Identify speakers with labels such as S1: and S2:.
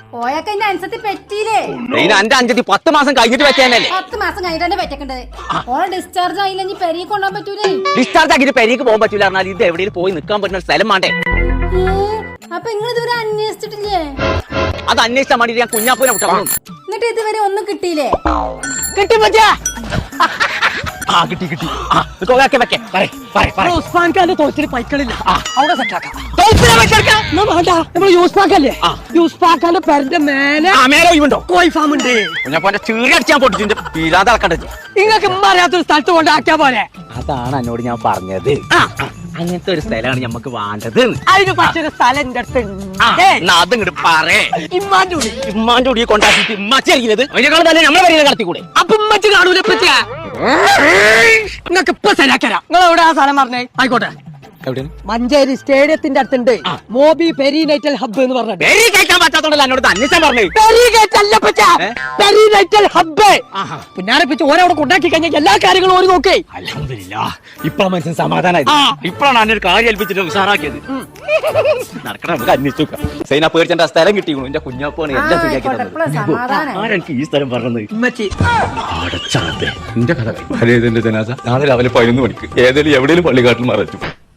S1: പോയൊക്കെ എന്റെ അനുസരിച്ച് പറ്റിയില്ലേ?
S2: എന്റെ അഞ്ചത്തി 10 മാസം കഴിഞ്ഞിട്ട് വെച്ചാനല്ലേ.
S1: 10 മാസം കഴിഞ്ഞിട്ട് തന്നെ പറ്റേണ്ടത്. ഓളെ ഡിസ്ചാർജ് ആയില്ല, ഇനി പെരീക്ക് കൊണ്ടുപോകാൻ പറ്റൂലേ?
S2: ഡിസ്ചാർജ് ആക്കിട്ട് പെരീക്ക് പോകാൻ പറ്റൂല പറഞ്ഞാൽ ഇത് എവിടെയും പോയി നിൽക്കാൻ പറ്റുന്ന സ്ഥലം വേണ്ടേ?
S1: അപ്പൊ നിങ്ങൾ ഇതുവരെ അന്വേഷിച്ചിട്ടില്ലേ?
S2: അത് അന്വേഷിച്ചാൽ വേണ്ടി ഞാൻ കുഞ്ഞാപ്പൂനെ വിട്ടു.
S1: എന്നിട്ട് ഇതുവരെ ഒന്നും കിട്ടിയില്ലേ?
S2: കിട്ടി പറ്റാ കിട്ടി കിട്ടി.
S3: ഉസ്മാൻ ഖാന്റെ തോറ്റിന് പൈക്കളില്ല, അവിടെ സെറ്റാക്കാം. നമ്മള് യൂസ്ഫാക്കല്ലേ, യൂസ്ഫാക്കാന്റെ പേരിന്റെ മേലെ കോഴി ഫാം ഉണ്ട്.
S2: കുഞ്ഞാപ്പൂന്റെ ചീറി അടിച്ചാൻ പൊട്ടിച്ചിട്ട് വീഴാതെ അളക്കണ്ടത്.
S3: നിങ്ങൾക്ക് അറിയാത്തൊരു സ്ഥലത്ത് കൊണ്ടാക്കിയാ പോലെ.
S2: അതാണ് എന്നോട് ഞാൻ പറഞ്ഞത്. അങ്ങനത്തെ ഒരു സ്ഥലമാണ് നമുക്ക് വേണ്ടത്.
S3: അതിന് പറ്റൊരു സ്ഥലം എന്റെ അടുത്ത്
S2: അതിങ്ങോട്ട് പറയേ. ഇമ്മാന്റെ കൂടി കൊണ്ടാക്കിട്ട് ഇമ്മച്ചി അറിയുന്നത് അതിനേക്കാൾ തന്നെ നമ്മളെ വരെ കടത്തിക്കൂടെ?
S3: അപ്പൊ ഇമ്മച്ച് കാണൂല പറ്റിയ നിങ്ങൾക്ക് ഇപ്പൊ ശരിയാക്കരാ. നിങ്ങൾ എവിടെ ആ സ്ഥലം പറഞ്ഞേ? ആയിക്കോട്ടെ, മഞ്ചേരി സ്റ്റേഡിയത്തിന്റെ അടുത്തുണ്ട് മോബി പെരിനൈറ്റൽ ഹബ്ബ് എന്ന് പറഞ്ഞത്.
S2: കേൾക്കാൻ പറ്റാത്തോണ്ടല്ലോ എന്നോട് അന്വേഷണം പറഞ്ഞേ.
S3: പെരിനൈറ്റൽ ഹബ്ബ് പിന്നാരെ പിച്ച് ഓരവിടെ കൊണ്ടാക്കി കഴിഞ്ഞാൽ എല്ലാ കാര്യങ്ങളും ഓര് നോക്കേ.
S2: അൽഹംദുലില്ലാ, ഇപ്പഴാണ് മനസ്സിന് സമാധാനമായി. ഇപ്പഴാണ് അന്നൊരു കാര്യം ഏൽപ്പിച്ചിട്ട് ഉഷാറാക്കിയത്. നടക്കണം, നമുക്ക് അന്വേഷിച്ചു നോക്കാം. സൈന പേടിച്ചെന്റെ സ്ഥലം കിട്ടിക്കണു. എന്റെ കുഞ്ഞാപ്പാണ് എല്ലാം ശരിയാക്കി. ആരെനിക്ക് ഈ സ്ഥലം പറഞ്ഞത്? എന്റെ കഥ നാളെ രാവിലെ 11 മണിക്ക് ഏതെങ്കിലും എവിടെയും പള്ളിക്കാട്ടിൽ മറച്ചു.